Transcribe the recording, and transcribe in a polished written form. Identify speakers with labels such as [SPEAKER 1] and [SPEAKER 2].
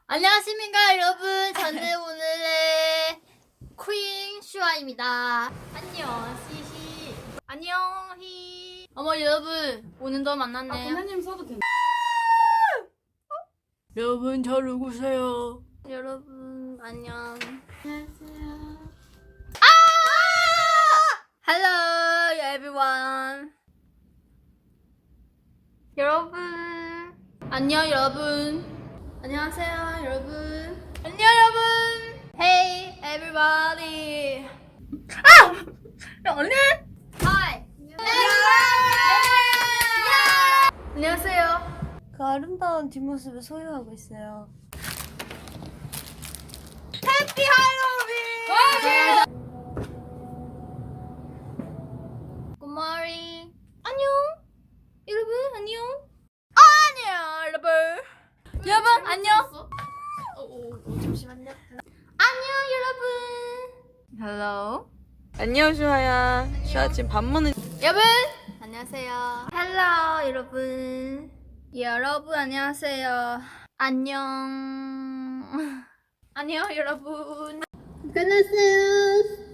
[SPEAKER 1] 안녕하십니까 여러분. 저는 오늘의 퀸 슈아입니다. 안녕 시시. 안녕히. 어머 여러분 오늘도 만났네요.
[SPEAKER 2] 부모님 써도 돼.
[SPEAKER 1] 여러분 잘 오세요. 여러분 안녕.
[SPEAKER 2] 안녕하세요.
[SPEAKER 1] Hello everyone. 여러분 안녕 여러분. 안녕하세요 여러분. 안녕 여러분. Hey everybody. 언니. Hi. 안녕하세요.
[SPEAKER 3] 그 아름다운 뒷모습을 소유하고 있어요.
[SPEAKER 1] 해피 할로윈. Good morning. 안녕. 여러분 안녕. 안녕 여러분. 여러분 안녕.
[SPEAKER 2] 잠시만요.
[SPEAKER 1] 안녕 여러분. Hello.
[SPEAKER 2] 안녕 슈아야. 슈아 지금 밥 먹는.
[SPEAKER 1] 여러분 안녕하세요. Hello 여러분. 여러분 안녕하세요. 안녕. 안녕 여러분.
[SPEAKER 3] 끝났어요.